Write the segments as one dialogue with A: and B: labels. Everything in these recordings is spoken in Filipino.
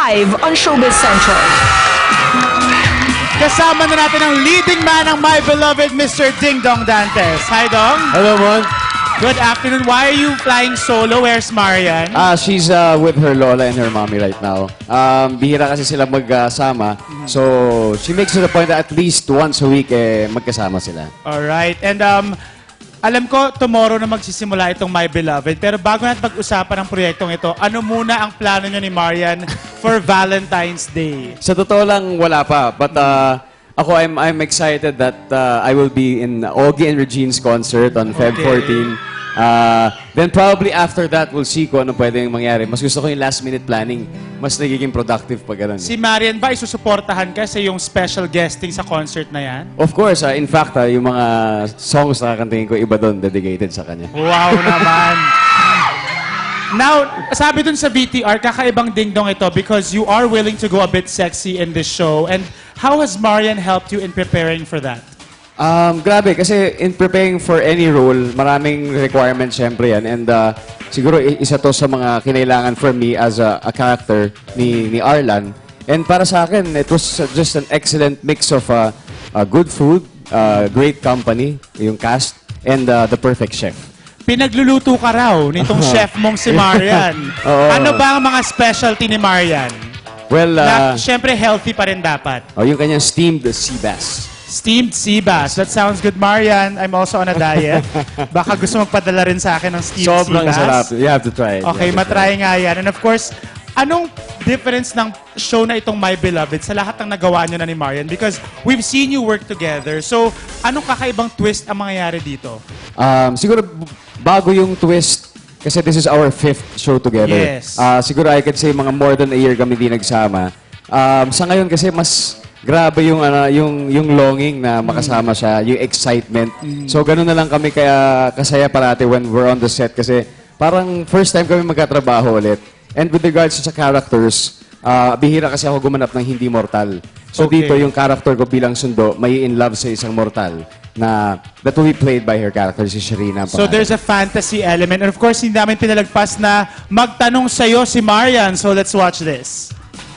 A: live on Showbiz Central.
B: Kasama na natin ang leading man ng My Beloved, Mr. Ding Dong Dantes. Hi, Dong.
C: Hello, Mon.
B: Good afternoon. Why are you flying solo? Where's Marian?
C: She's with her lola and her mommy right now. Bihira kasi sila magkasama. So, she makes it a point that at least once a week, magkasama sila.
B: Alright. And alam ko, tomorrow na magsisimula itong My Beloved. Pero bago natin pag-usapan ang proyektong ito, ano muna ang plano nyo ni Marian for Valentine's Day?
C: Sa totoo lang, wala pa. But ako, I'm excited that I will be in Ogie and Regine's concert on Feb 14. Then probably after that, we'll see kung ano pwedeng mangyari. Mas gusto ko yung last-minute planning. Mas nagiging productive pag ganun.
B: Si Marian ba isusuportahan ka sa yung special guesting sa concert na yan?
C: Of course, in fact, yung mga songs na kakantingin ko, iba doon, dedicated sa kanya.
B: Wow naman! Now, sabi dun sa VTR, kakaibang dingdong ito because you are willing to go a bit sexy in this show. And how has Marian helped you in preparing for that?
C: Grabe, kasi in preparing for any role, maraming requirements syempre yan. And siguro isa to sa mga kinailangan for me as a character ni Arlan. And para sa akin, it was just an excellent mix of good food, great company, yung cast, and the perfect chef.
B: Pinagluluto ka raw nitong chef mong si Marian. Ano ba ang mga specialty ni Marian?
C: Well,
B: Na, syempre, healthy pa rin dapat.
C: yung kanyang steamed sea bass.
B: Steamed sea bass. That sounds good, Marian. I'm also on a diet. Baka gusto magpadala rin sa akin ng steamed
C: Sobrang
B: sea bass.
C: sarap. You have to try it.
B: Okay,
C: You have to
B: matry nga yan. And of course, anong difference ng show na itong My Beloved sa lahat ng nagawa nyo na ni Marian? Because we've seen you work together. So, anong kakaibang twist ang mangyayari dito?
C: Siguro bago yung twist, kasi this is our 5th show together.
B: Yes.
C: Siguro I could say mga more than a year kami di nagsama. Sa ngayon kasi mas grabe yung longing na makasama siya, yung excitement. So ganun na lang kami kaya kasaya parati when we're on the set kasi parang first time kami magkatrabaho ulit. And with regards sa characters, bihira kasi ako gumanap ng hindi mortal. So
B: Okay.
C: dito yung character ko bilang sundo, may in love sa isang mortal na that will be played by her character, si Sharina.
B: So there's a fantasy element. And of course, hindi namin pinalagpas na magtanong sa'yo si Marian. So let's watch this.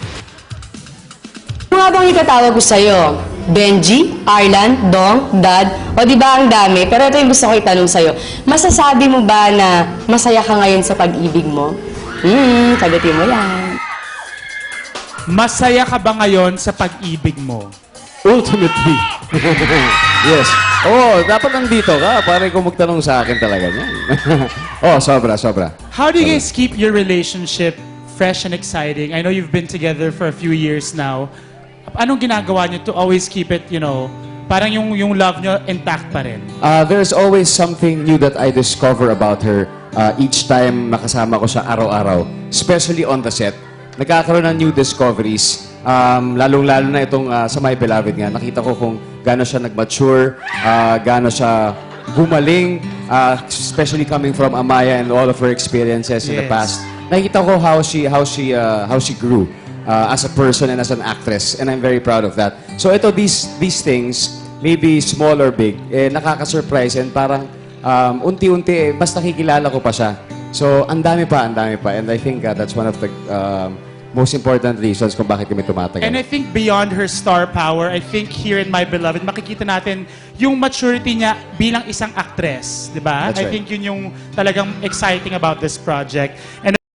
D: Ano nga bang itatawag ko sa'yo? Benji, Arlan, Dong, Dad, o di ba ang dami? Pero ito yung gusto ko itanong sa'yo. Masasabi mo ba na masaya ka ngayon sa pag-ibig mo? Sagutin mo yan.
B: Masaya ka ba ngayon sa pag-ibig mo?
C: Ultimately. Yes. Dapat nandito ka. Pare kung magtanong sa akin talaga niyan. Sobra.
B: How do you guys keep your relationship fresh and exciting? I know you've been together for a few years now. Anong ginagawa niyo to always keep it, parang yung love niyo intact pa rin?
C: There's always something new that I discover about her each time nakasama ko siya araw-araw. Especially on the set. Nagkakaroon ng new discoveries. Lalong-lalo na itong sa My Beloved nga. Nakita ko kung gaano siya nag-mature, gaano siya gumaling, especially coming from Amaya and all of her experiences in the past. Nakita ko how she grew as a person and as an actress, and I'm very proud of that. So these things, maybe small or big, nakaka-surprise and parang unti-unti mas nakikilala ko pa siya. So ang dami pa, and I think that's one of the most important reasons kung bakit kami tumatagal.
B: And I think beyond her star power, I think here in My Beloved, makikita natin yung maturity niya bilang isang actress, di ba?
C: That's
B: I
C: right.
B: think yun yung talagang exciting about this project. And